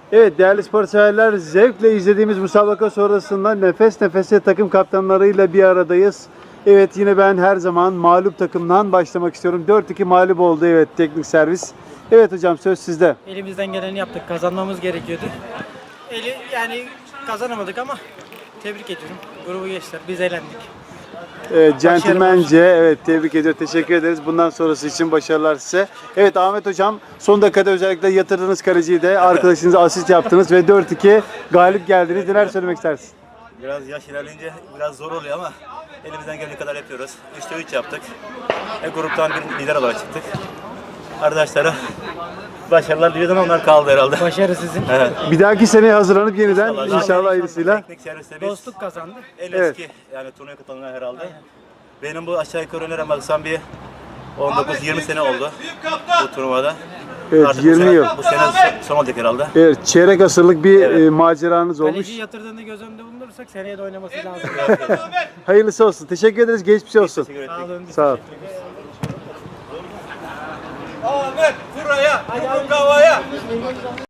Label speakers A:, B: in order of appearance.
A: Evet değerli spor severler, zevkle izlediğimiz müsabaka sonrasında nefes nefese takım kaptanlarıyla bir aradayız. Evet yine ben her zaman mağlup takımdan başlamak istiyorum. 4-2 mağlup oldu evet teknik servis. Evet hocam söz sizde.
B: Elimizden geleni yaptık. Kazanmamız gerekiyordu. Yani kazanamadık ama tebrik ediyorum. Grubu geçtiler. Biz eğlendik.
A: Centilmence evet tebrik ediyor. Teşekkür ederiz. Bundan sonrası için başarılar size. Evet Ahmet hocam son dakikada özellikle yatırdığınız kaleciyi de arkadaşınıza asist yaptınız ve 4-2 galip geldiniz. Neler söylemek istersin?
C: Biraz yaş ilerleyince biraz zor oluyor ama elimizden geldiği kadar yapıyoruz. 3'te 3 yaptık. Gruptan bir lider olarak çıktık. Arkadaşlara başarılar diliyorum, onlar kaldı herhalde.
B: Başarı sizin.
C: Evet.
A: Bir dahaki seneye hazırlanıp yeniden inşallah hayırlısıyla.
C: Teknik serviste biz
B: Dostluk kazandı.
C: en
A: Evet.
C: eski yani turnuvaya katılanlar herhalde. Benim bu aşağı yukarı öneremezsem bir 19-20 sene oldu bu turnuvada.
A: Evet
C: Artık
A: 20 yıl.
C: Bu sene son olacak herhalde.
A: Evet çeyrek asırlık bir
C: Evet.
A: maceranız olmuş.
B: Kaleci yatırdığını göz önünde bulundurursak seneye de oynaması lazım.
A: Hayırlısı olsun. Teşekkür ederiz. Geçmiş olsun.
C: Teşekkür ettik.
B: Sağ olun.
A: Sağ ol.
D: Ahmet buraya, yumruk havaya.